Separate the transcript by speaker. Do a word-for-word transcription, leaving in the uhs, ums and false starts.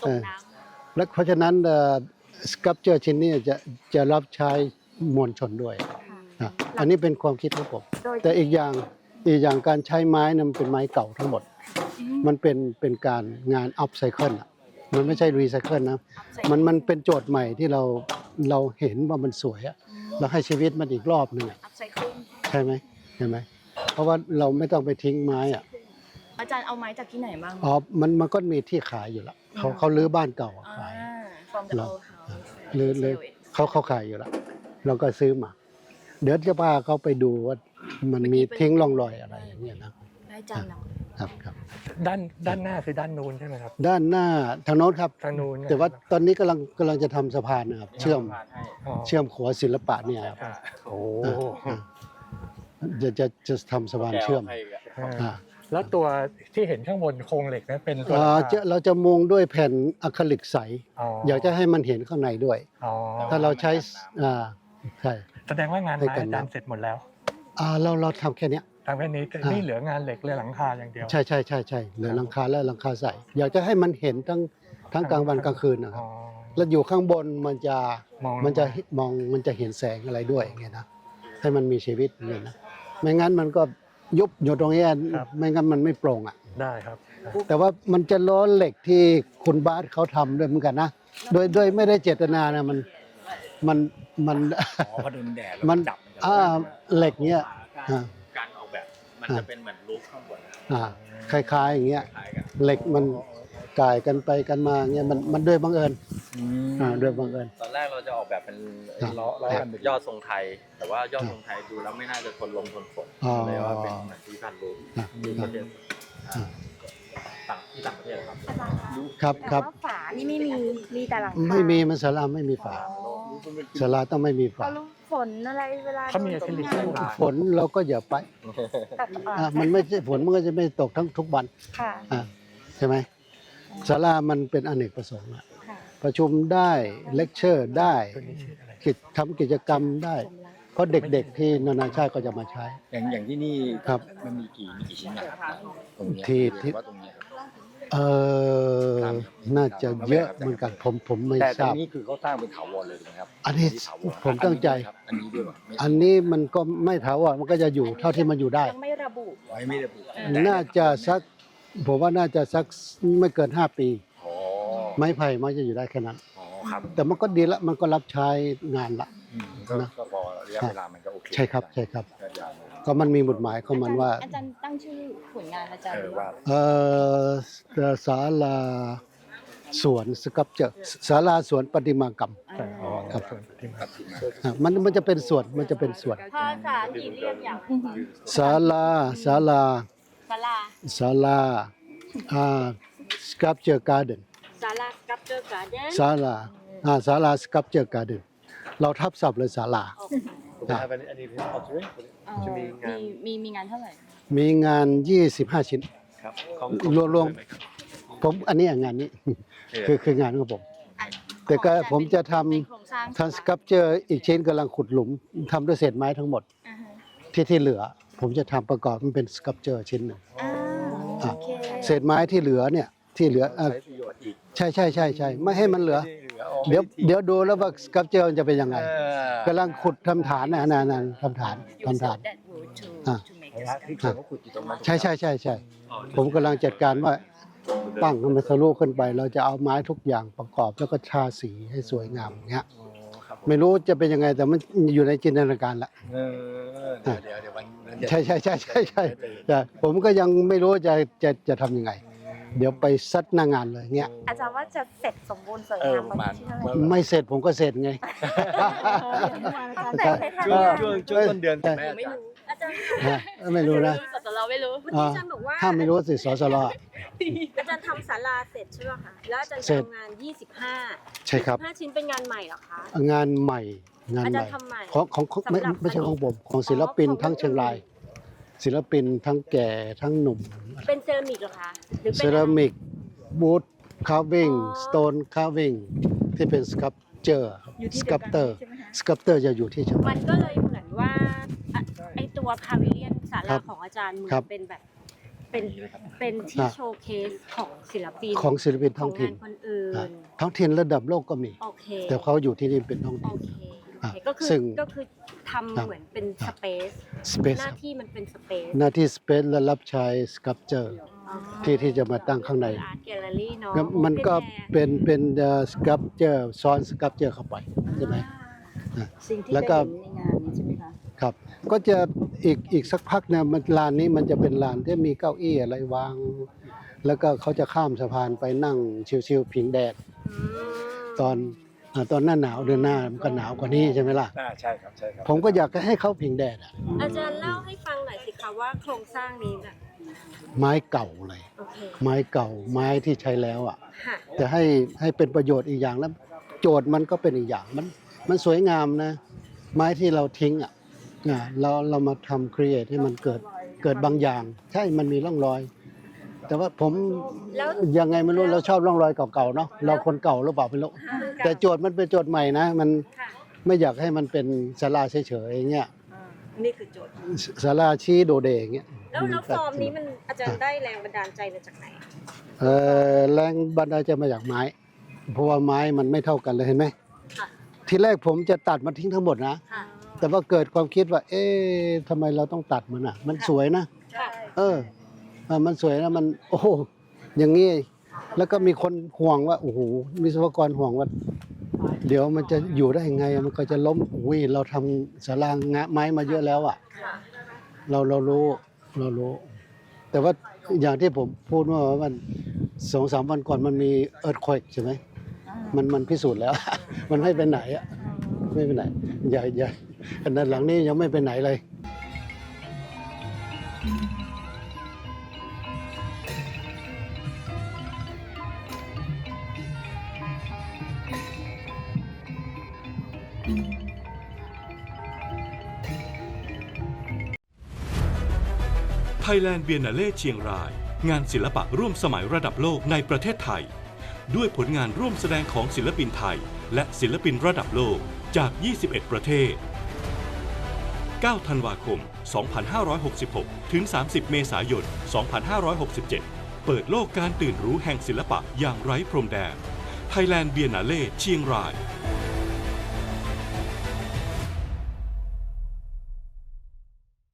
Speaker 1: ตกน้ำ
Speaker 2: และเพราะฉะนั้นสครับเจอร์ชิ้นนี้จะจะรับใช้มวลชนด้วยนะอันนี้เป็นความคิดของผมแต่อีกอย่างอีกอย่างการใช้ไม้นั้นเป็นไม้เก่าทั้งหมดมันเป็นเป็นการงานอัพไซเคิลอ่ะมันไม่ใช่รีไซเคิลนะมันมันเป็นโจทย์ใหม่ที่เราเราเห็นว่ามันสวยอ่ะเราให้ชีวิตมันอีกรอบหนึ่งใช่ไหมใช่ไหมเพราะว่าเราไม่ต้องไปทิ้งไม้อ่ะ
Speaker 1: อาจารย์เอาไม้จากที่ไหนบ้าง
Speaker 2: อ๋อมันมันก็มีที่ขายอยู่แล้วเขาเขาลื้อบ้านเก่าขายเราลื้อลื้อเขาเขาขายอยู่แล้วเราก็ซื้อมาเดี๋ยวจะพาเขาไปดูว่ามันมีทิ้งร่องรอยอะไรอย่างเงี้ยนะ
Speaker 1: อาจารย์เนาะ
Speaker 2: ครับครับ
Speaker 3: ด้านด้านหน้าคือด้านนู้นใช่ไหมครับ
Speaker 2: ด้านหน้าทางโน้นครับ
Speaker 3: ทางนู้น
Speaker 2: แต่ว่าตอนนี้กำลังกำลังจะทำสะพานนะครับเชื่อมเชื่อมขัวศิลปะเนี่ยครับ
Speaker 3: โอ้
Speaker 2: จะจะจะทำสะพานเชื่อม
Speaker 3: แล้วตัวที่เห็นข้างบนโครงเหล็กนั้นเป็นตัว
Speaker 2: เราจะมุงด้วยแผ่นอะคริลิกใสอยากจะให้มันเห็นข้างในด้วยถ้าเราใช้อ่าใช่
Speaker 3: แสดงว่างานไม้อาจารย์เสร็จหมดแล้ว
Speaker 2: อ่าเราเราทำแค่นี้
Speaker 3: ทำแค่นี้นี่เหลืองานเหล็กเหลือหลังคาอย่างเดียว
Speaker 2: ใช่ใช่ใช่ใช่เหลือหลังคาและหลังคาใสอยากจะให้มันเห็นทั้งทั้งกลางวันกลางคืนนะครับแล้วอยู่ข้างบนมันจะมันจะมองมันจะเห็นแสงอะไรด้วยอย่างเงี้ยนะให้มันมีชีวิตอย่างเงี้ยนะไม่งั้นมันก็ยุบอยู่ตรงนี้ไม่งั้นมันไม่โปร่งอ่ะ
Speaker 3: ได้ครับ
Speaker 2: แต่ว่ามันจะล้อเหล็กที่คุณบาสเขาทำด้วยเหมือนกันนะโดยโดยไม่ได้เจตนานะมันมันมัน
Speaker 4: อ๋อพอโดนแดด
Speaker 2: มัน
Speaker 4: ดับ
Speaker 2: อ่าเหล็กเนี้ย
Speaker 4: การออกแบบมันจะเป็นเหมือนรูปข้างบน
Speaker 2: อ่าคล้ายๆอย่างเงี้ยเหล็กมันก่ายกันไปกันมาเงี้ยมันมันด้วยบังเอิญอ่าด้วยบังเอิญ
Speaker 4: ตอนแรกเราจะออกแบบเป็นล้อล้อกันยอดทรงไทยแต่ว่ายอดทรงไทยดูแล้วไม่น่าจะทนลมทนฝนเลยว่าเป็นเหมือนที่พันรูปที่ประเทศต่างที่ต่างประเทศครับ
Speaker 2: ครับครับ
Speaker 1: ฝานี่ไม่มีมีแต่หลัง
Speaker 2: ไม่มีมันศาลาไม่มีฝาศาลาต้องไม่มีฝา
Speaker 1: ฝนอะไรเวลา
Speaker 3: เขามีอะคริลิก
Speaker 2: ฝนเราก็อย่าไปมันไม่ใช่ฝนมันก็จะไม่ตกทั้งทุกวันใช่ไหมศาลามันเป็นอเนกประสงค์ประชุมได้เลคเชอร์ได้ทำกิจกรรมได้เพราะเด็กๆที่นานาชาติก็จะมาใช้
Speaker 4: อย่างอย่างที่นี่
Speaker 2: ครับ
Speaker 4: มันมีกี่มีกี่ชิ้นนะครับตรงนี้
Speaker 2: ที่ที่เออน่าจะเยอะเหมือนกันผมผมไม่ทราบ
Speaker 4: แต่ตรงนี้คือเขาสร้างเป็นถาวรเลยถูกไหมครับ
Speaker 2: อันนี้ผมตั้งใจ
Speaker 4: อันนี้ด้วย
Speaker 2: อันนี้มันก็ไม่ถาวรมันก็จะอยู่เท่าที่มันอยู่ได้
Speaker 1: ยังไม่ระบุ
Speaker 4: ไว้ไม่ระบุ
Speaker 2: น่าจะสักผมว่าน่าจะสักไม่เกินห้าปีไม้ไผ่มันจะอยู่ได้แค่นั้นแต่มันก็ดีละมันก็รับใช้งานละ
Speaker 4: นะก็พอระยะเวลามันก็โอเค
Speaker 2: ใช่ครับใช่ครับก็มันมีหมุดหมายของมันว่า
Speaker 1: อาจารย์ตั้งชื่อผลงานอาจารย์ว่า
Speaker 2: เออศาลาสวนสครับเจอร์ศาลาสวนประติมากรรมครับมันมันจะเป็นส่วนมันจะเป็นส่วน
Speaker 1: ภาษาที่เรียกอย่าง
Speaker 2: ศาลาศาลา
Speaker 1: ศาลา
Speaker 2: ศาลาอ่าสครับเจอร์การ์เดน
Speaker 1: ศาลาสครับเจอร์การ์เดน
Speaker 2: ศาลาอ่าศาลาสครับเจอร์การ์เดนเราทับศัพท์เลยศาลา
Speaker 1: มีมีมีงานเท่าไหร่
Speaker 2: มีงานยี่สิบห้าชิ้นรวมรวมผมอันนี้งานนี้คือคืองานของผมแต่ก็ผมจะทำทำสครับเจอร์อีกชิ้นกำลังขุดหลุมทำด้วยเศษไม้ทั้งหมดที่ที่เหลือผมจะทำประกอบมันเป็นสครับเจอร์ชิ้นหนึ่งเศษไม้ที่เหลือเนี่ยที่เหลือใช่ใช่ใช่ใช่ไม่ให้มันเหลือเดี๋ยวเดี๋ยวดูแล้วว่าสครับเจอร์จะเป็นยังไงกำลังขุดทำฐานนะนานๆทำฐานทำฐานใช่ใช่ใช่ใช่ผมกำลังจัดการว่าตั้งมันทะลุขึ้นไปเราจะเอาไม้ทุกอย่างประกอบแล้วก็ทาสีให้สวยงามอย่างเงี้ยไม่รู้จะเป็นยังไงแต่มันอยู่ในจินตนาการละ
Speaker 4: เดี๋ยวเดี๋ยววัน
Speaker 2: ใช่ใช่ใช่ใช่ใช่แต่ผมก็ยังไม่รู้จะจะจะทำยังไงเดี๋ยวไปซัดหน้างานเลยเงี้ย
Speaker 1: อาจารย์ว่าจะเสร็จสมบูรณ์สวยงามประมาณ
Speaker 2: ไม่เสร็จผมก็เสร็จไง
Speaker 4: ช่วงช่วงช่วงต้นเดือน
Speaker 1: ไม่รู้อาจารย์
Speaker 2: ไม่รู้นะ
Speaker 1: สสลไม่รู้
Speaker 2: เมื่อกี้อาจารย์บอกว่าถ้าไม่รู้สิสสล
Speaker 1: อาจารย์ทำศาลาเสร็จใช่ไหมคะแล้วอาจารย์ทำงานยี่สิบห้า
Speaker 2: ใช่ครับ
Speaker 1: ห้าชิ้นเป็นงานใหม่เหรอคะ
Speaker 2: งานใหม่งานใหม่ของของไม่ไม่ใช่ของผมของศิลปินทั้งเชียงรายศิลปินทั้งแก่ทั้งหนุ่ม
Speaker 1: เป็นเซรามิกเหรอคะหรือ
Speaker 2: เซรามิกวูดคาร์วิ่งสโตนคาร์วิ่งที่เป็นสครับเจอร์สครับเตอร์สครับเตอร์จะอยู่ที่เชียงราย
Speaker 1: มันก็เลยเหมือนว่าไอตัวพาวิเลียนศาลาของอาจารย์เหมือนเป็นแบบเป็น
Speaker 4: นี้เลยครับ
Speaker 1: เป็นที่
Speaker 2: อ่ะ
Speaker 1: โชว์เคสของศิลปิน
Speaker 2: ของศิลปิน
Speaker 1: ข
Speaker 2: ท้
Speaker 1: อ
Speaker 2: อง ง
Speaker 1: งา
Speaker 2: ถิ่น
Speaker 1: นคนอื่น
Speaker 2: อ่ะท้องถิ่นระดับโลกก็มี
Speaker 1: โอเค
Speaker 2: แต่เขาอยู่ที่นี่เป็นท้อง
Speaker 1: โอ
Speaker 2: ถิ่น
Speaker 1: เคโอ
Speaker 2: อ่ะ
Speaker 1: เคก็คือ
Speaker 2: ซึ่ง
Speaker 1: ก็คือทำเหมือนเป็นสเปซ
Speaker 2: สเปซ
Speaker 1: หน้าที่มันเป็นสเปซ
Speaker 2: หน้าที่สเปซและรับใช้สครับเจอร์ที่ที่จะมาตั้งข้างใน
Speaker 1: อาร์ตแกลเลอรี่เนาะ
Speaker 2: แล้วมันก็
Speaker 1: Open air
Speaker 2: เป็นเป็นสครับเจอร์ซ้อนสครับเจอร์เข้าไปใช่ไหม
Speaker 5: สิ่งที่
Speaker 2: แล้
Speaker 5: จะ
Speaker 2: วก็
Speaker 5: เห็นในงานนี้ใช่ไหมคะ
Speaker 2: ครับ ก็จะอีกอีกสักพักเนี่ยมันลานนี้มันจะเป็นลานที่มีเก้าอี้อะไรวาง แล้วก็เขาจะข้ามสะพานไปนั่งชิวๆผิงแดด
Speaker 1: อืม
Speaker 2: ตอนอ่าตอนหน้าหนาวเดือนหน้ามันก็หนาวกว่านี้ใช่ไหมล่ะ
Speaker 3: อ่าใช่ครับใช่ครับ
Speaker 2: ผมก็อยากจะให้เขาผิงแดดอะ
Speaker 1: อาจารย์เล่าให้ฟังหน่อยสิคะว่าโครงสร้างนี้แบบ
Speaker 2: ไม้เก่าเลย
Speaker 1: โอเค
Speaker 2: ไม้เก่าไม้ที่ใช้แล้วอ่ะ
Speaker 1: ค่ะ
Speaker 2: จะให้ให้เป็นประโยชน์อีกอย่างแล้ว โจทย์มันก็เป็นอีกอย่างมันมันสวยงามนะ ไม้ที่เราทิ้งอ่ะอ่าเราเรามาทำครีเอทให้มันเกิดเกิดบางอย่าง ใช่มันมีร่องรอย แต่ว่าผม
Speaker 1: แล้ว
Speaker 2: ยังไงไม่รู้เราชอบร่องรอยเก่าๆเนาะเราคนเก่าหรือเปล่าไม่รู้แต่โจทย์มันเป็นโจทย์ใหม่นะ มัน
Speaker 1: ค่ะ
Speaker 2: ไม่อยากให้มันเป็นศาลาเฉยๆอย่างเงี้ย
Speaker 1: นี่คือโจทย์
Speaker 2: ศาลาชี้โดเดอย่างเงี้ย
Speaker 1: แล้วแล้วฟอร์มนี้มันอาจารย์ได้แรงบันดาลใจมาจากไหน
Speaker 2: เออแรงบันดาลใจมาจากไม้ เพราะว่าไม้มันไม่เท่ากันเลยเห็นไหม
Speaker 1: ค่ะ
Speaker 2: ทีแรกผมจะตัดมันทิ้งทั้งหมดนะ
Speaker 1: ค่ะ
Speaker 2: แต่ว่าเกิดความคิดว่า เอ๊ะทำไมเราต้องตัดมันอ่ะ มันสวยนะ
Speaker 1: ค่ะ
Speaker 2: เออเออมันสวยนะมัน โอ้โหอย่างงี้ แล้วก็มีคนห่วงว่า โอ้โหวิศวกรห่วงว่า เดี๋ยวมันจะอยู่ได้ยังไง มันก็จะล้มอุ้ยเราทำศาลางะไม้มาเยอะแล้วอ่ะ
Speaker 1: ค่ะ
Speaker 2: เราเรารู้เรารู้ แต่ว่าอย่างที่ผมพูดว่ามันสองสามวันก่อนมันมีเอิร์ธควกใช่ไหมมันมันพิสูจน์แล้ว มันไม่ไปไหนอ่ะไม่ไปไหนอย่าอย่าอันนั้นหลังนี้ยังไม่ไปไหนเลย
Speaker 6: Thailand Biennale เชียงราย งานศิลปะร่วมสมัยระดับโลกในประเทศไทย ด้วยผลงานร่วมแสดงของศิลปินไทย และศิลปินระดับโลกจาก ยี่สิบเอ็ด ประเทศ เก้า ธันวาคม สองพันห้าร้อยหกสิบหก ถึง สามสิบ เมษายน สองพันห้าร้อยหกสิบเจ็ด เปิดโลกการตื่นรู้แห่งศิลปะอย่างไร้พรมแดน Thailand Biennale เชียงราย